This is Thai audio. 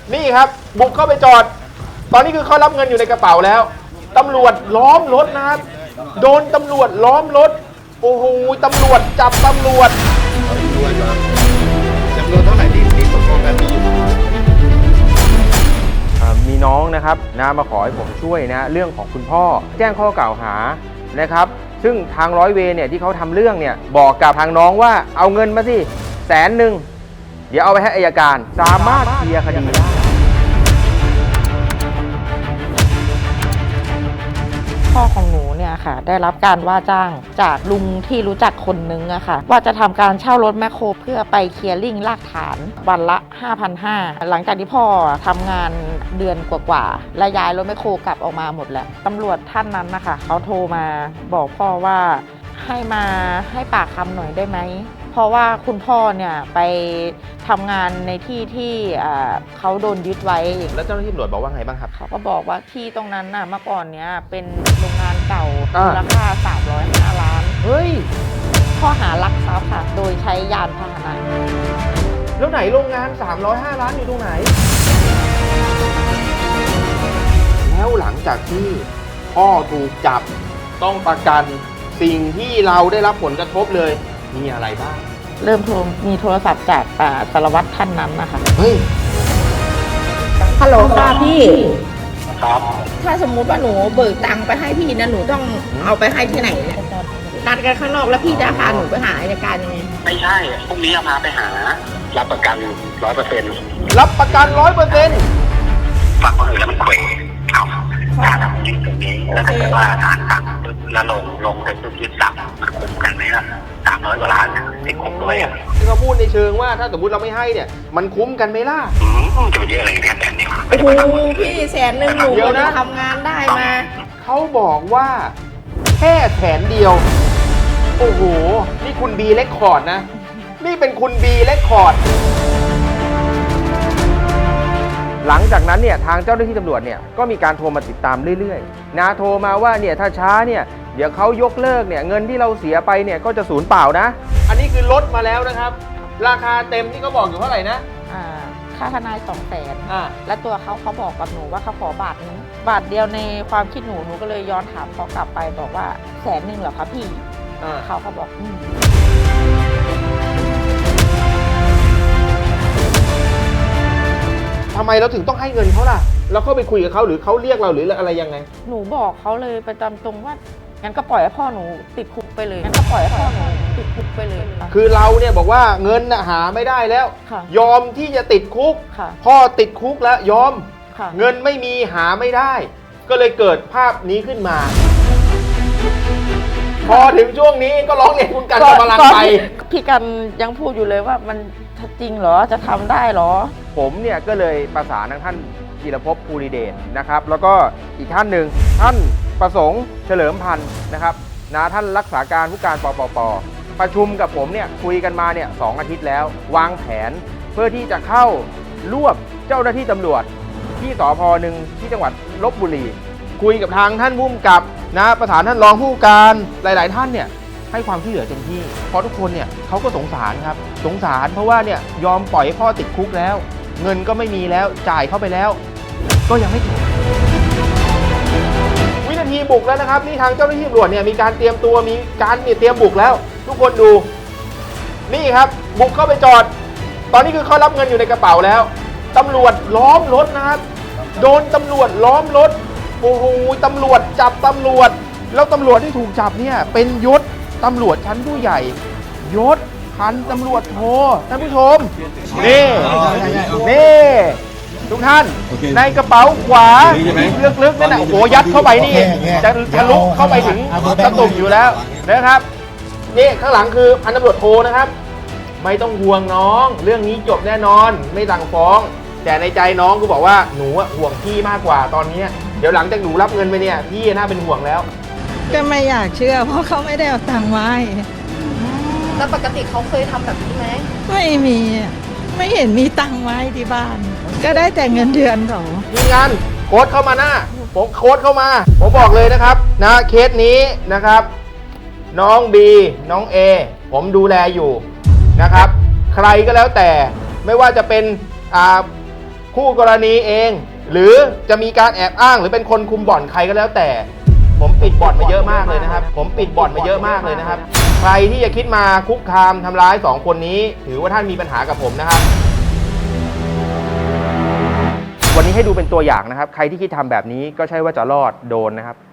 นี่ครับบุกเข้าไปจอดตอนนี้คือเขารับเงินอยู่ในกระเป๋าแล้วตำรวจล้อมรถนะครับโดนตำรวจล้อมรถโอ้โหตำรวจจับตำรวจจำนวนเท่าไหร่ที่ตกลงกันมีอยู่มีน้องนะครับมาขอให้ผมช่วยนะเรื่องของคุณพ่อแจ้งข้อกล่าวหานะครับซึ่งทางร้อยเวรเนี่ยที่เขาทำเรื่องเนี่ยบอกกับทางน้องว่าเอาเงินมาสิ100,000เดี๋ยวเอาไปให้อัยการสามารถเคลียร์คดีได้พ่อของหนูเนี่ยค่ะได้รับการว่าจ้างจากลุงที่รู้จักคนนึงอะค่ะว่าจะทำการเช่ารถแมคโครเพื่อไปเคลียร์ลิ่งรากฐานวันละ 5,500 หลังจากที่พ่อทำงานเดือนกว่าๆและย้ายรถแมคโครกลับออกมาหมดแล้วตำรวจท่านนั้นนะคะเขาโทรมาบอกพ่อว่าให้มาให้ปากคำหน่อยได้ไหมเพราะว่าคุณพ่อเนี่ยไปทำงานในที่ที่เขาโดนยึดไว้แล้วเจ้าหน้าที่ตำรวจบอกว่าไงบ้างครับเขาก็บอกว่าที่ตรงนั้นน่ะเมื่อก่อนเนี้ยเป็นโรงงานเก่ามูลค่า305 ล้านเฮ้ยข้อหารักทรัพย์ค่ะโดยใช้ยานพาหนะแล้วไหนโรงงาน305 ล้านอยู่ตรงไหนแล้วหลังจากที่พ่อถูกจับต้องประกันสิ่งที่เราได้รับผลกระทบเลยมีอะไรบ้างเริ่มมีโทรศัพท์จากสารวัตรท่านนั้นนะคะเฮ้ยฮัลโหลค่ะพี่ครับถ้าสมมุติว่าหนูเบิกตังค์ไปให้พี่นะหนูต้องเอาไปให้ที่ไหนเนี่ยนัดกันข้างนอกแล้วพี่จะพาหนูไปหาอัยการยังไงไม่ใช่พรุ่งนี้จะพาไปหารับประกัน 100% รับประกัน 100% ฝากคนอื่นแล้วมันเขวเอาถ้าทำจริงตรงนี้แล้วถ้าเกิดว่าฐานสั่งแล้วลงเสร็จปุ๊บยึดสั่งมันคุ้มกันไหมล่ะ300 กว่าล้านติดคุกด้วยที่เขาพูดในเชิงว่าถ้าสมมติเราไม่ให้เนี่ยมันคุ้มกันไหมล่ะจะไปเยอะอะไรแค่นี้โอ้โหพี่100,000หนูจะทำงานได้มาเขาบอกว่าแค่100,000โอ้โหนี่คุณบีเรคคอร์ดนะนี่เป็นคุณบีเรคคอร์ดหลังจากนั้นเนี่ยทางเจ้าหน้าที่ตำรวจเนี่ยก็มีการโทรมาติดตามเรื่อยๆโทรมาว่าเนี่ยถ้าช้าเนี่ยเดี๋ยวเขายกเลิกเนี่ยเงินที่เราเสียไปเนี่ยก็จะสูญเปล่านะอันนี้คือลดมาแล้วนะครับราคาเต็มที่เขาบอกอยู่เท่าไหร่นะค่าทนาย200,000และตัวเขาบอกกับหนูว่าเขาขอบาทนึงบาทเดียวในความคิดหนูก็เลยย้อนถามเขากลับไปบอกว่า100,000เหรอคะพี่เขาบอกทำไมเราถึงต้องให้เงินเขาล่ะเราเข้าไปคุยกับเขาหรือเขาเรียกเราหรืออะไรยังไงหนูบอกเขาเลยประจำตรงว่างั้นก็ปล่อยให้พ่อหนูติดคุกไปเลยงั้นก็ปล่อยให้พ่อหนูติดคุกไปเลยคือเราเนี่ยบอกว่าเงินหาไม่ได้แล้วยอมที่จะติดคุกพ่อติดคุกแล้วยอมเงินไม่มีหาไม่ได้ก็เลยเกิดภาพนี้ขึ้นมาพอถึงช่วงนี้ก็ร้องเรียนคุณกันกำลังไปพี่กันยังพูดอยู่เลยว่ามันจริงเหรอจะทำได้เหรอผมเนี่ยก็เลยประสานทางท่านจิรภพภูริเดชนะครับแล้วก็อีกท่านหนึ่งท่านประสงค์เฉลิมพันธ์นะครับท่านรักษาการผู้การปปป.ประชุมกับผมเนี่ยคุยกันมาเนี่ย2 อาทิตย์แล้ววางแผนเพื่อที่จะเข้ารวบเจ้าหน้าที่ตำรวจที่สภ.หนึ่งที่จังหวัดลพบุรีคุยกับทางท่านผู้กำกับประสานท่านรองผู้การหลายๆท่านเนี่ยให้ความช่วยเหลือเต็มที่เพราะทุกคนเนี่ยเขาก็สงสารครับสงสารเพราะว่าเนี่ยยอมปล่อยให้พ่อติดคุกแล้วเงินก็ไม่มีแล้วจ่ายเข้าไปแล้วก็ยังไม่จบวินาทีบุกแล้วนะครับนี่ทางเจ้าหน้าที่ตำรวจเนี่ยมีการเตรียมตัวมีการเตรียมบุกแล้วทุกคนดูนี่ครับบุกเข้าไปจอดตอนนี้คือเขารับเงินอยู่ในกระเป๋าแล้วตำรวจล้อมรถนะครับโดนตำรวจล้อมรถโอ้โหตำรวจจับตำรวจแล้วตำรวจที่ถูกจับเนี่ยเป็นยศตำรวจชั้นผู้ใหญ่ยศพันตำรวจโทท่านผู้ชมนี่ทุกท่านในกระเป๋าขวาลึกๆนั่นแหละโอ้โหยัดเข้าไปนี่จะทะลุเข้าไปถึงตะตุ่มอยู่แล้วนะครับนี่ข้างหลังคือพันตำรวจโทนะครับไม่ต้องห่วงน้องเรื่องนี้จบแน่นอนไม่สั่งฟ้องแต่ในใจน้องก็บอกว่าหนูห่วงพี่มากกว่าตอนนี้เดี๋ยวหลังจากหนูรับเงินไปเนี่ยพี่น่าเป็นห่วงแล้วก็ไม่อยากเชื่อเพราะเขาไม่ได้เอาตังค์ไว้แล้วปกติเขาเคยทำแบบนี้ไหมไม่มีไม่เห็นมีตังค์ไว้ที่บ้านก็ได้แต่เงินเดือนเขาทีมงานโค้ดเข้ามาหน้าผมโค้ดเข้ามาผมบอกเลยนะครับเคสนี้นะครับน้องบีน้องเอผมดูแลอยู่นะครับใครก็แล้วแต่ไม่ว่าจะเป็นคู่กรณีเอง หรือจะมีการแอบอ้างหรือเป็นคนคุมบ่อนใครก็แล้วแต่ ผมปิดบ่อนมาเยอะมากเลยนะครับ ผมปิดบ่อนมาเยอะมากเลยนะครับ ใครที่จะคิดมาคุกคามทำร้าย2คนนี้ ถือว่าท่านมีปัญหากับผมนะครับ วันนี้ให้ดูเป็นตัวอย่างนะครับ ใครที่คิดทำแบบนี้ก็ใช่ว่าจะรอดโดนนะครับ